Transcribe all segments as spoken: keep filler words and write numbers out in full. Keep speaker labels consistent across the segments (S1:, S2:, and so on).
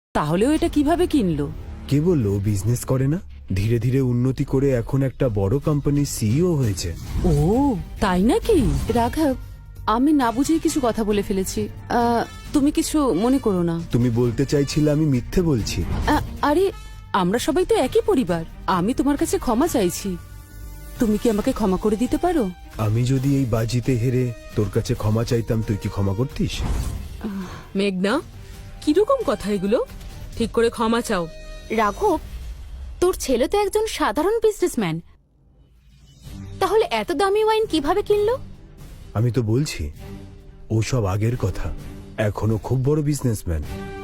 S1: তাহলেও এটা কিভাবে কিনলো?
S2: কে বললো বিজনেস করে না? ধীরে ধীরে উন্নতি করে এখন একটা বড় কোম্পানির সিইও হয়েছে।
S1: ও তাই নাকি? রাঘব, আমি না বুঝেই কিছু কথা বলে ফেলেছি। আহ, তুমি কিছু মনে করো না।
S2: তুমি বলতে চাইছিলে আমি মিথ্যে বলছি?
S1: আ- আরে আমরা সবাই তো একই পরিবার। আমি তোমার কাছে ক্ষমা চাইছি। তুমি কি আমাকে ক্ষমা করে দিতে পারো?
S2: আমি যদি এই বাজিতে হেরে তোর কাছে ক্ষমা চাইতাম, তুই কি ক্ষমা করতিস?
S3: মেঘনা, কিরকম কথা এগুলো? ঠিক করে ক্ষমা চাও।
S4: রাঘব, তোর ছেলে তো একজন সাধারণ বিজনেসম্যান, তাহলে এত দামি ওয়াইন কিভাবে কিনলো?
S2: আমি তো বলছি ও সব আগের কথা, এখনো খুব বড় বিজনেসম্যান।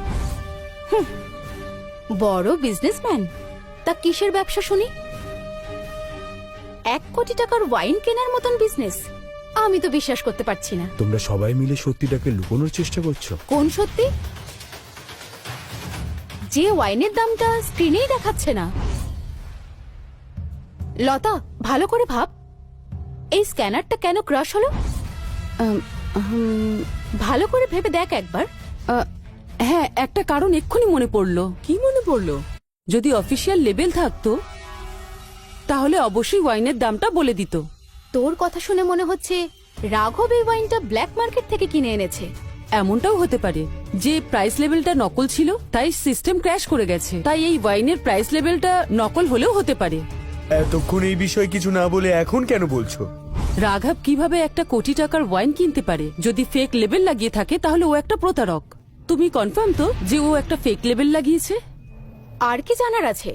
S4: বড় বিজনেসম্যান? তা কিসের ব্যবসা শুনি? এক কোটি টাকার ওয়াইন কেনার মতন বিজনেস? আমি তো বিশ্বাস করতে পারছি না।
S2: তোমরা সবাই মিলে সত্যিটাকে লুকোনোর চেষ্টা করছো।
S4: কোন সত্যি? যে ওয়াইনের দামটা স্ক্রিনেই দেখাচ্ছে না। লতা, ভালো করে ভাব, এই স্ক্যানারটা কেন ক্রাশ হলো?
S1: আম, হুম,
S4: ভালো করে ভেবে দেখ একবার।
S1: আহ, হ্যাঁ, একটা কারণ এক্ষুনি মনে পড়লো।
S3: কি মনে পড়লো?
S1: যদি অফিসিয়াল লেবেল থাকতো তাহলে অবশ্যই ওয়াইনের দামটা বলে দিত।
S4: তোর কথা শুনে মনে হচ্ছে রাঘব এই ওয়াইনটা ব্ল্যাক মার্কেট থেকে কিনে এনেছে।
S1: এমনটাও হতে পারে যে প্রাইস লেভেলটা নকল ছিল, তাই সিস্টেম ক্র্যাশ করে গেছে। তাই এই ওয়াইনের প্রাইস লেভেলটা নকল হলেও হতে পারে।
S5: এতক্ষণ এই বিষয়ে কিছু না বলে এখন কেন বলছো?
S1: রাঘব কিভাবে একটা কোটি টাকার ওয়াইন কিনতে পারে? যদি ফেক লেবেল লাগিয়ে থাকে তাহলে ও একটা প্রতারক। তুমি কনফার্ম তো যে ও একটা ফেক লেবেল লাগিয়েছে?
S4: আর কি জানার আছে?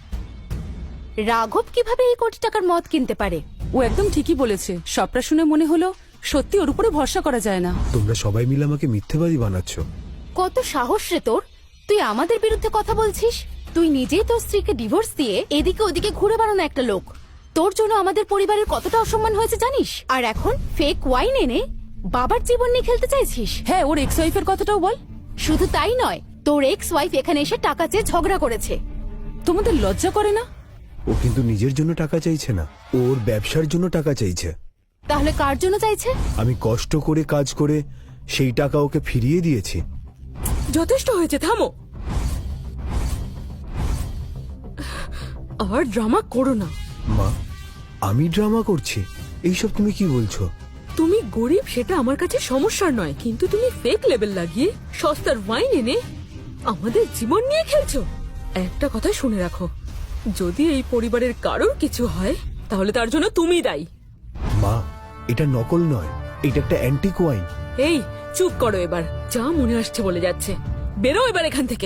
S4: রাঘব কিভাবে এই কোটি টাকার মদ কিনতে পারে?
S1: ও একদম ঠিকই বলেছে। সবটা শুনে মনে হলো সত্যি ওর উপরে ভরসা করা যায় না।
S2: তোমরা সবাই মিলে আমাকে মিথ্যেবাদী বানাচ্ছ।
S4: কত সাহস রে তোর! তুই আমাদের বিরুদ্ধে কথা বলছিস? তুই নিজেই তোর স্ত্রীকে ডিভোর্স দিয়ে এদিকে ওদিকে ঘুরে বেড়ানো একটা লোক। তোর জন্য আমাদের পরিবারের কতটা অসম্মান হয়েছে জানিস? আর এখন ফেক ওয়াইন এনে বাবার জীবন নিয়ে খেলতে চাইছিস?
S1: হ্যাঁ, ওর এক্স ওয়াইফের কথাটাও বল।
S4: শুধু তাই নয়, তোর এক্স ওয়াইফ এখানে এসে টাকা চেয়ে ঝগড়া করেছে।
S1: তোমাদের লজ্জা করে না?
S2: ও কিন্তু নিজের জন্য টাকা চাইছে না, ওর ব্যবসার জন্য টাকা চাইছে।
S4: তাহলে কার জন্য চাইছে?
S2: আমি কষ্ট করে কাজ করে সেই টাকা ওকে ফিরিয়ে দিয়েছি।
S3: যথেষ্ট হয়েছে, থামো। আর ড্রামা করো না।
S2: মা, আমি ড্রামা করছি? এইসব তুমি কি বলছো?
S3: তুমি গরিব সেটা আমার কাছে সমস্যার নয়, কিন্তু তুমি ফেক লেবেল লাগিয়ে সস্তার ওয়াইন এনে আমাদের জীবন নিয়ে খেলছো। একটা কথা শুনে রাখো, যদি এই পরিবারের কারোর কিছু হয় তাহলে তার জন্য তুমিই দায়ী।
S2: মা, এটা নকল নয়, এটা একটা অ্যান্টিক ওয়াইন।
S3: এই চুপ করো এবার, যা মনে আসছে বলে যাচ্ছে। বেরো এবার এখান থেকে।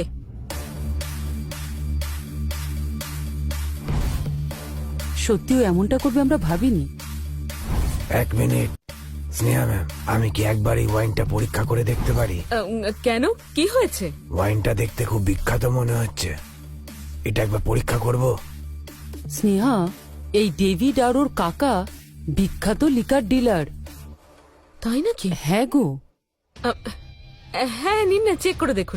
S1: সত্যিও এমনটা করবে আমরা ভাবিনি।
S2: এক মিনিট স্নেহা ম্যাম, আমি কি একবার এই ওয়াইনটা পরীক্ষা করে দেখতে পারি?
S3: আহ, কেন, কি হয়েছে?
S2: ওয়াইনটা দেখতে খুব বিখ্যাত মনে হচ্ছে, এটা একবার পরীক্ষা করব।
S1: স্নেহা, এই ডেভিড আর ওর কাকা বিখ্যাত লিকার ডিলার।
S3: তাই নাকি?
S1: হ্যাঁ গো।
S3: আহ, হ্যাঁ, নিন না, চেক করে দেখুন।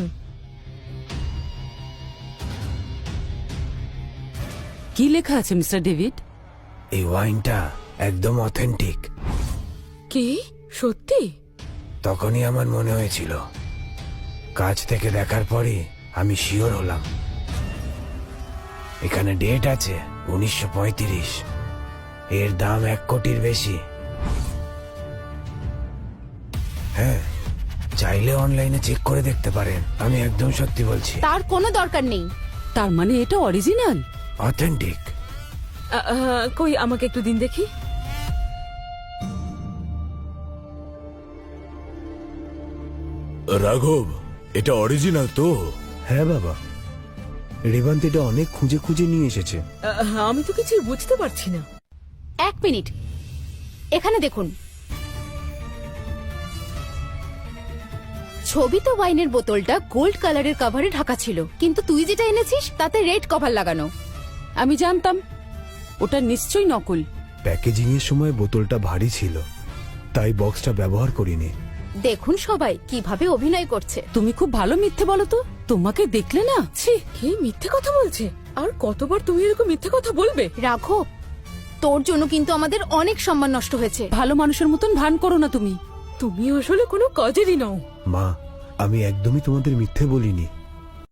S1: কি লেখা আছে মিস্টার ডেভিড?
S2: এই ওয়াইনটা একদম অথেন্টিক।
S3: কি সত্যি?
S2: তখনই আমার মনে হয়েছিল, কাছ থেকে দেখার পরে আমি শিওর হলাম। এখানে ডেট আছে উনিশশো পঁয়ত্রিশ, এর দাম এক কোটির বেশি। হ্যাঁ, চাইলে অনলাইনে চেক করে দেখতে পারেন, আমি একদম সত্যি বলছি।
S4: তার কোনো দরকার নেই।
S1: তার মানে এটা অরিজিনাল?
S2: অথেন্টিক।
S3: আহ, আহ, কই আমাকে একটু দিন দেখি।
S5: রাঘব, এটা অরিজিনাল তো?
S2: হ্যাঁ বাবা, রেবান্ত এটা অনেক খুঁজে খুঁজে নিয়ে এসেছে।
S3: আহ, আমি তো কিছুই বুঝতে পারছি না।
S4: এক মিনিট, এখানে দেখুন। ছবিতে ওয়াইনের বোতলটা গোল্ড কালারের কভারে ঢাকা ছিল, কিন্তু তুই যেটা এনেছিস তাতে রেড কভার লাগানো।
S1: আমি জানতাম ওটা নিশ্চয়ই নকল।
S2: প্যাকেজিং এর সময় বোতলটা ভারী ছিল, তাই বক্সটা ব্যবহার করিনি।
S4: দেখুন সবাই কিভাবে অভিনয় করছে।
S1: তুমি খুব ভালো মিথ্যে বলো তো। তোমাকে দেখলে না, ছি।
S3: কি মিথ্যে কথা বলছে? আর কতবার তুমি এরকম মিথ্যে কথা বলবে?
S4: রাঘব, তোর জন্য কিন্তু আমাদের অনেক সম্মান নষ্ট হয়েছে।
S1: ভালো মানুষের মতন ভান করো না তুমি।
S3: তুমি আসলে কোনো কাজেরই নও।
S2: মা, আমি একদমই তোমাদের মিথ্যে বলিনি।